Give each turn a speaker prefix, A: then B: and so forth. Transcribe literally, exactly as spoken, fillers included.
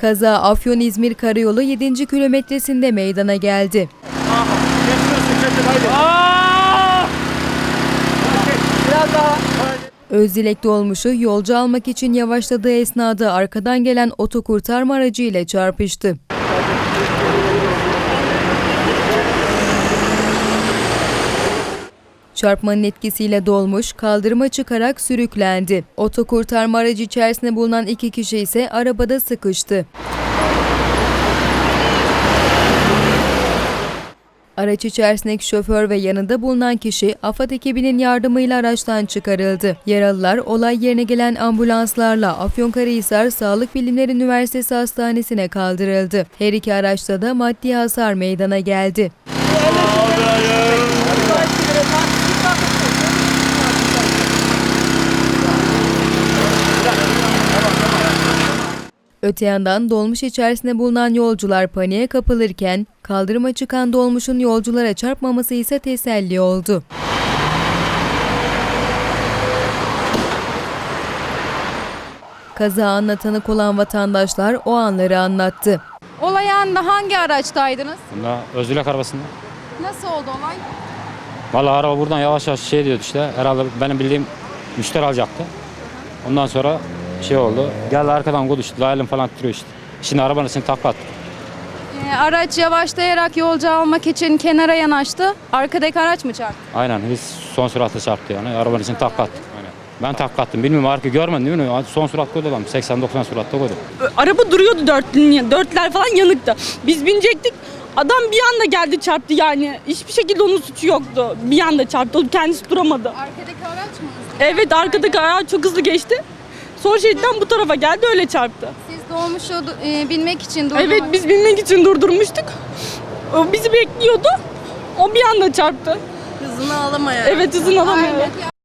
A: Kaza Afyon-İzmir Karayolu yedinci kilometresinde meydana geldi. Özdilek dolmuşu yolcu almak için yavaşladığı esnada arkadan gelen otokurtarma aracı ile çarpıştı. Çarpmanın etkisiyle dolmuş kaldırıma çıkarak sürüklendi. Otokurtarma aracı içerisinde bulunan iki kişi ise arabada sıkıştı. Araç içerisindeki şoför ve yanında bulunan kişi AFAD ekibinin yardımıyla araçtan çıkarıldı. Yaralılar olay yerine gelen ambulanslarla Afyonkarahisar Sağlık Bilimleri Üniversitesi Hastanesi'ne kaldırıldı. Her iki araçta da maddi hasar meydana geldi. Öte yandan dolmuş içerisinde bulunan yolcular paniğe kapılırken kaldırıma çıkan dolmuşun yolculara çarpmaması ise teselli oldu. Kaza anına tanık olan vatandaşlar o anları anlattı.
B: Olay anında hangi araçtaydınız?
C: Bunda Özdilek arabasında.
B: Nasıl oldu olay?
C: Vallahi araba buradan yavaş yavaş şey diyordu işte. Herhalde benim bildiğim müşteri alacaktı. Ondan sonra şey oldu. Geldi arkadan konuştu. Layılım falan titriyor işte. Şimdi arabanın içine takla attı.
B: Ee, araç yavaşlayarak yolcu almak için kenara yanaştı. Arkadaki araç mı çarptı?
C: Aynen biz son süratle çarptı yani. Arabanın içine takla attı. Aynen. Ben takla attım. Bilmiyorum arka görmedin değil mi? Son sürat koydu adam. seksen doksan süratte koydu.
D: Araba duruyordu dörtlü, dörtler falan yanıktı. Biz binecektik. Adam bir anda geldi çarptı yani. Hiçbir şekilde onun suçu yoktu. Bir anda çarptı. O kendisi duramadı.
B: Arkadaki araç mı hızlı?
D: Evet arkadaki araç çok hızlı geçti. Sol şeritten bu tarafa geldi öyle çarptı.
B: Siz dolmuşu e, binmek için durdunuz.
D: Evet biz binmek için durdurmuştuk. O bizi bekliyordu. O bir anda çarptı.
B: Hızını alamıyor.
D: Evet hızını alamıyor.
B: Aynen.